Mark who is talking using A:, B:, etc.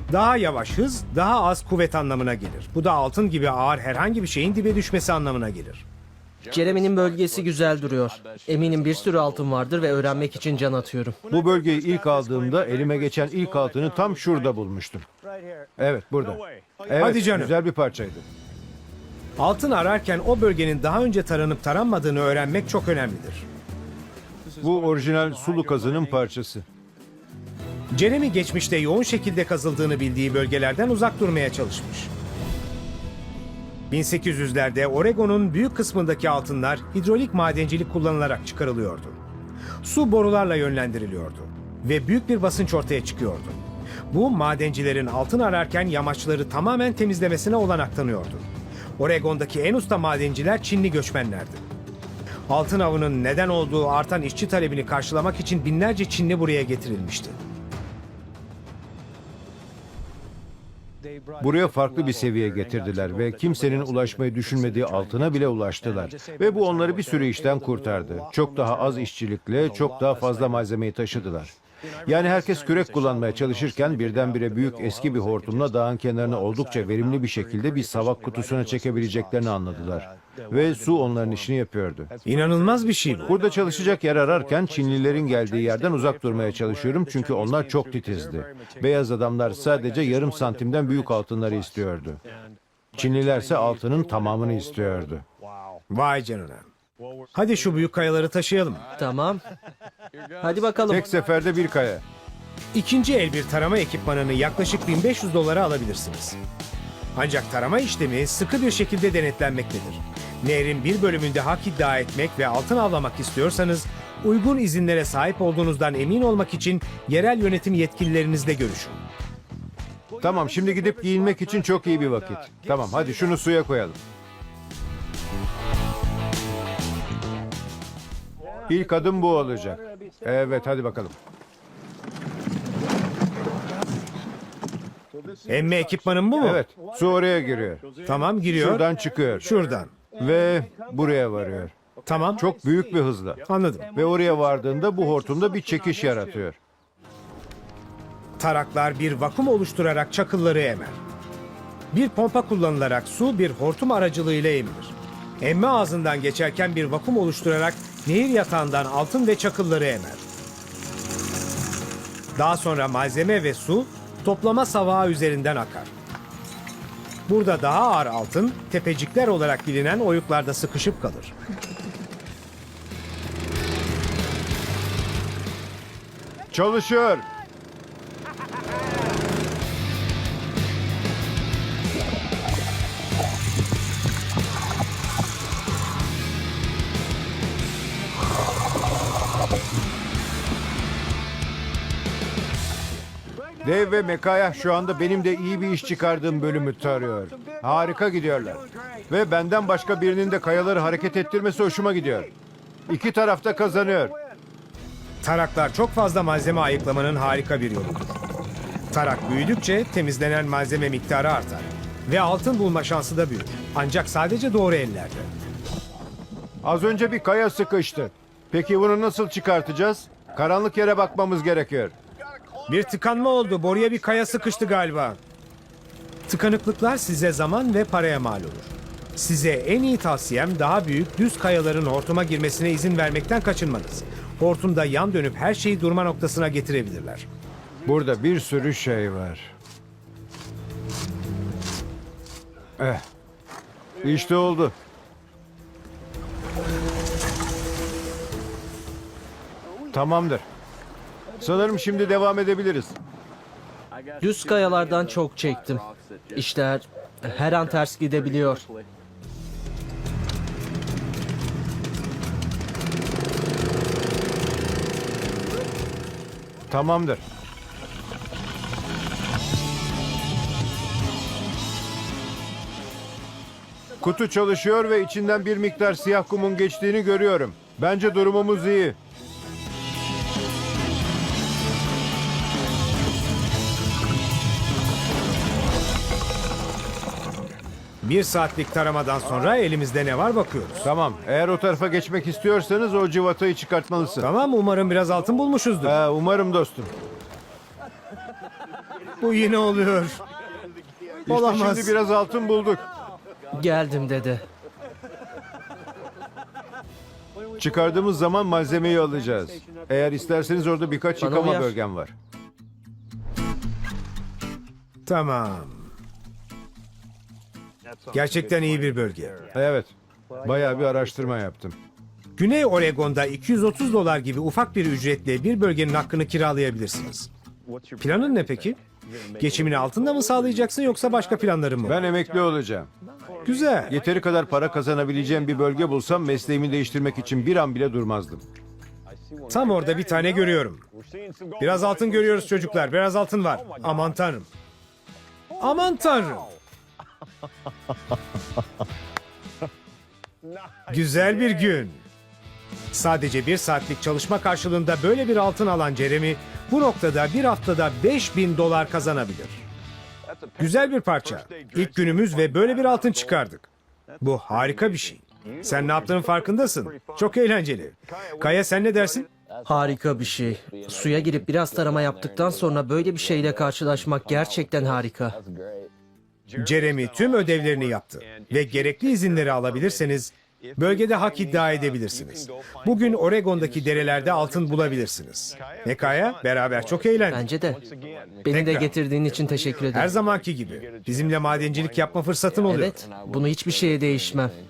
A: Daha yavaş hız, daha az kuvvet anlamına gelir. Bu da altın gibi ağır herhangi bir şeyin dibe düşmesi anlamına gelir.
B: Jeremy'nin bölgesi güzel duruyor. Eminim bir sürü altın vardır ve öğrenmek için can atıyorum.
C: Bu bölgeyi ilk aldığımda elime geçen ilk altını tam şurada bulmuştum. Evet, burada. Evet,
A: Hadi canım.
C: güzel bir parçaydı.
A: Altın ararken o bölgenin daha önce taranıp taranmadığını öğrenmek çok önemlidir.
C: Bu orijinal sulu kazının parçası.
A: Jeremy geçmişte yoğun şekilde kazıldığını bildiği bölgelerden uzak durmaya çalışmış. 1800'lerde Oregon'un büyük kısmındaki altınlar hidrolik madencilik kullanılarak çıkarılıyordu. Su borularla yönlendiriliyordu ve büyük bir basınç ortaya çıkıyordu. Bu madencilerin altın ararken yamaçları tamamen temizlemesine olanak tanıyordu. Oregon'daki en usta madenciler Çinli göçmenlerdi. Altın avının neden olduğu artan işçi talebini karşılamak için binlerce Çinli buraya getirilmişti.
C: Buraya farklı bir seviyeye getirdiler ve kimsenin ulaşmayı düşünmediği altına bile ulaştılar. Ve bu onları bir sürü işten kurtardı. Çok daha az işçilikle çok daha fazla malzemeyi taşıdılar. Yani herkes kürek kullanmaya çalışırken birdenbire büyük eski bir hortumla dağın kenarına oldukça verimli bir şekilde bir savak kutusuna çekebileceklerini anladılar. Ve su onların işini yapıyordu.
A: İnanılmaz bir şey bu.
C: Burada çalışacak yer ararken Çinlilerin geldiği yerden uzak durmaya çalışıyorum çünkü onlar çok titizdi. Beyaz adamlar sadece yarım santimden büyük altınları istiyordu. Çinlilerse altının tamamını istiyordu.
A: Vay canına. Hadi şu büyük kayaları taşıyalım.
B: Tamam. Hadi bakalım.
C: Tek seferde bir kaya.
A: İkinci el bir tarama ekipmanını yaklaşık 1500 dolara alabilirsiniz. Ancak tarama işlemi sıkı bir şekilde denetlenmektedir. Nehrin bir bölümünde hak iddia etmek ve altın avlamak istiyorsanız, uygun izinlere sahip olduğunuzdan emin olmak için yerel yönetim yetkililerinizle görüşün.
C: Tamam, şimdi gidip giyinmek için çok iyi bir vakit. Tamam, hadi şunu suya koyalım. İlk adım bu olacak. Evet, hadi bakalım.
A: Emme ekipmanın bu mu?
C: Evet, su oraya giriyor.
A: Tamam, giriyor.
C: Şuradan çıkıyor.
A: Şuradan.
C: Ve buraya varıyor.
A: Tamam.
C: Çok büyük bir hızla.
A: Anladım.
C: Ve oraya vardığında bu hortumda bir çekiş yaratıyor.
A: Taraklar bir vakum oluşturarak çakılları emer. Bir pompa kullanılarak su bir hortum aracılığıyla emilir. Emme ağzından geçerken bir vakum oluşturarak nehir yatağından altın ve çakılları emer. Daha sonra malzeme ve su toplama savağı üzerinden akar. Burada daha ağır altın, tepecikler olarak bilinen oyuklarda sıkışıp kalır.
C: Çalışıyor. Dave ve Mekaya şu anda benim de iyi bir iş çıkardığım bölümü tarıyor. Harika gidiyorlar. Ve benden başka birinin de kayaları hareket ettirmesi hoşuma gidiyor. İki taraf da kazanıyor.
A: Taraklar çok fazla malzeme ayıklamanın harika bir yoludur. Tarak büyüdükçe temizlenen malzeme miktarı artar ve altın bulma şansı da büyür. Ancak sadece doğru ellerde.
C: Az önce bir kaya sıkıştı. Peki bunu nasıl çıkartacağız? Karanlık yere bakmamız gerekiyor.
A: Bir tıkanma oldu. Boruya bir kaya sıkıştı galiba. Tıkanıklıklar size zaman ve paraya mal olur. Size en iyi tavsiyem daha büyük düz kayaların hortuma girmesine izin vermekten kaçınmanız. Hortumda yan dönüp her şeyi durma noktasına getirebilirler.
C: Burada bir sürü şey var. İşte oldu. Tamamdır. Sanırım şimdi devam edebiliriz.
B: Düz kayalardan çok çektim. İşler her an ters gidebiliyor.
C: Tamamdır. Kutu çalışıyor ve içinden bir miktar siyah kumun geçtiğini görüyorum. Bence durumumuz iyi.
A: Bir saatlik taramadan sonra elimizde ne var bakıyoruz.
C: Tamam. Eğer o tarafa geçmek istiyorsanız o civatayı çıkartmalısın.
A: Tamam, umarım biraz altın bulmuşuzdur.
C: Umarım dostum.
A: Bu yine oluyor.
C: İşte
A: Olamaz.
C: şimdi biraz altın bulduk.
B: Geldim dede.
C: Çıkardığımız zaman malzemeyi alacağız. Eğer isterseniz orada birkaç
B: Bana
C: yıkama
B: uyar.
C: bölgem var.
A: Tamam. Gerçekten iyi bir bölge.
C: Evet. Bayağı bir araştırma yaptım.
A: Güney Oregon'da $230 gibi ufak bir ücretle bir bölgenin hakkını kiralayabilirsiniz. Planın ne peki? Geçimini altında mı sağlayacaksın yoksa başka planların mı?
C: Ben emekli olacağım.
A: Güzel.
C: Yeteri kadar para kazanabileceğim bir bölge bulsam mesleğimi değiştirmek için bir an bile durmazdım.
A: Tam orada bir tane görüyorum. Biraz altın görüyoruz çocuklar. Biraz altın var. Aman tanrım. Aman tanrım. Güzel bir gün. Sadece bir saatlik çalışma karşılığında böyle bir altın alan Jeremy bu noktada bir haftada $5.000 kazanabilir. Güzel bir parça. İlk günümüz ve böyle bir altın çıkardık. Bu harika bir şey. Sen ne yaptığının farkındasın. Çok eğlenceli. Kaya sen ne dersin?
B: Harika bir şey. Suya girip biraz tarama yaptıktan sonra böyle bir şeyle karşılaşmak gerçekten harika.
A: Jeremy tüm ödevlerini yaptı ve gerekli izinleri alabilirseniz bölgede hak iddia edebilirsiniz. Bugün Oregon'daki derelerde altın bulabilirsiniz. Ne Kaya? Beraber çok eğlendik.
B: Bence de. Beni de
A: Tekrar.
B: getirdiğin için teşekkür
A: Her
B: ederim.
A: zamanki gibi. Bizimle madencilik yapma fırsatın oluyor.
B: Evet, bunu hiçbir şeye değişmem.